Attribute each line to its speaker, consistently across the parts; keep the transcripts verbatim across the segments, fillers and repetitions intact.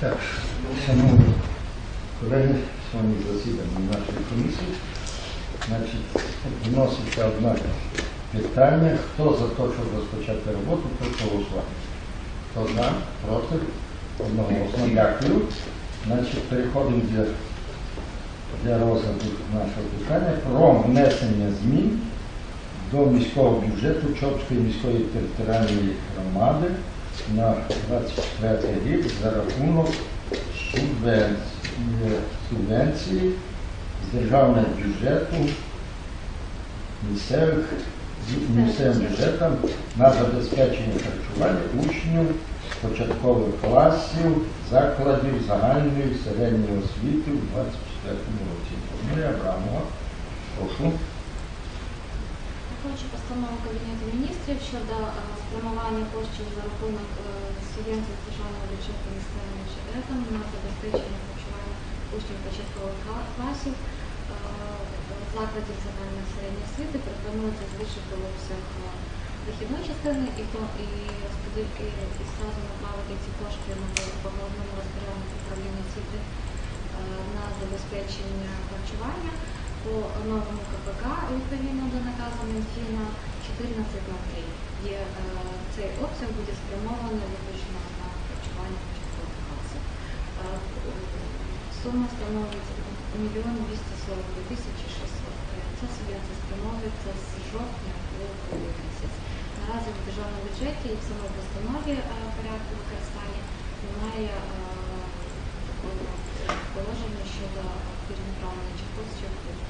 Speaker 1: Так, шановні колеги, сьогодні засідання нашої комісії. Значить, вноситься одне питання. Хто за те, щоб розпочати роботу, прошу голосувати. Хто за, проти? Одноголосно. Дякую. Значить, переходимо для, для розгляду нашого питання про внесення змін до міського бюджету Чопської міської територіальної громади на двадцять четвертий рік за рахунок субвенції, субвенції з державного бюджету місцевих, місцевим бюджетом на забезпечення харчування учнів початкових класів закладів загальної середньої освіти у двадцять четвертому році. Фамілія Абрамова. Прошу.
Speaker 2: Хочу постанову Кабінету міністрів щодо спрямування коштів за рахунок субвенції з державного бюджету місцевим бюджетом на забезпечення харчування учнів початкових класів закладів загальної середньої освіти. Пропонується збільшити обсяг дохідної частини і, і, і, і зразу направити ці кошти по головному розпоряднику управління освіти на забезпечення харчування. По новому КПК, відповідно до наказу Мінфіна чотирнадцять на три, є е, цей обсяг буде спрямований виключно на харчування початкових класів. Е, сума становить мільйон двісті сорок дві тисячі шістсот. Ця субвенція спрямовується з жовтня по грудень місяць. Наразі в державному бюджеті і в самій постанові е, порядку використання немає е, такого положення щодо перенаправлення цих коштів.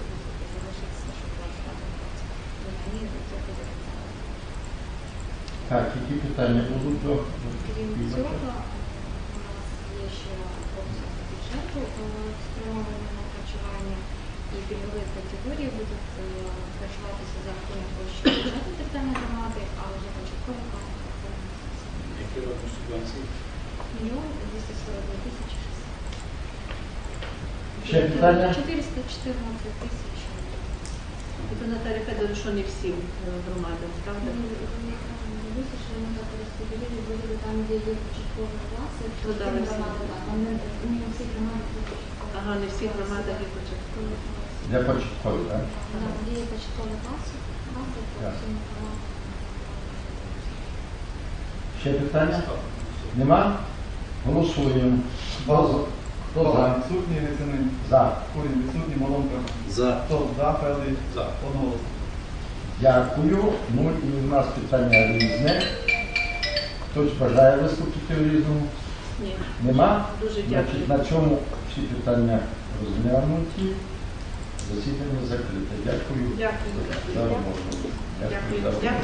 Speaker 1: Так, які питання будуть до
Speaker 2: Крім цього, у нас є ще обсяг бюджету спрямований на харчування, і пільгові категорії будуть харчуватися за рахунок коштів бюджету територіальної громади, а вже початкові класи.
Speaker 3: Які розмір субвенції?
Speaker 2: Мільйон двісті сорок дві тисячі шістсот.
Speaker 1: Ще питання?
Speaker 2: чотириста чотирнадцять тисяч.
Speaker 4: Це Наталя Федоровна, що не всім громадам, правда?
Speaker 2: Висушили ми так розподілили, були там, де є початкові класи,
Speaker 4: Ну, да, не всі.
Speaker 2: там не всі громади є початкові.
Speaker 4: Ага, не всі громадах є початкові.
Speaker 1: для початкових, так?
Speaker 2: Так, де є початкові класи, класи, то
Speaker 1: Так.
Speaker 2: всі громади.
Speaker 1: Ще питання? Нема? Голосуємо. Хто за? Хто за?
Speaker 5: Відсутні Грицини.
Speaker 1: За.
Speaker 5: Курінь відсутні, Малонка.
Speaker 3: За.
Speaker 5: Хто за, Федий?
Speaker 3: За.
Speaker 5: Одноголосно.
Speaker 1: Дякую. Ну і у нас питання різне. Хтось бажає виступити в різному?
Speaker 4: Ні.
Speaker 1: Нема?
Speaker 4: Дуже
Speaker 1: Значить,
Speaker 4: дякую.
Speaker 1: на цьому всі питання розглянуті. Засідання закрите. Дякую
Speaker 4: Дякую.
Speaker 1: за роботу.
Speaker 4: Дякую.
Speaker 1: за роботу.
Speaker 4: Дякую.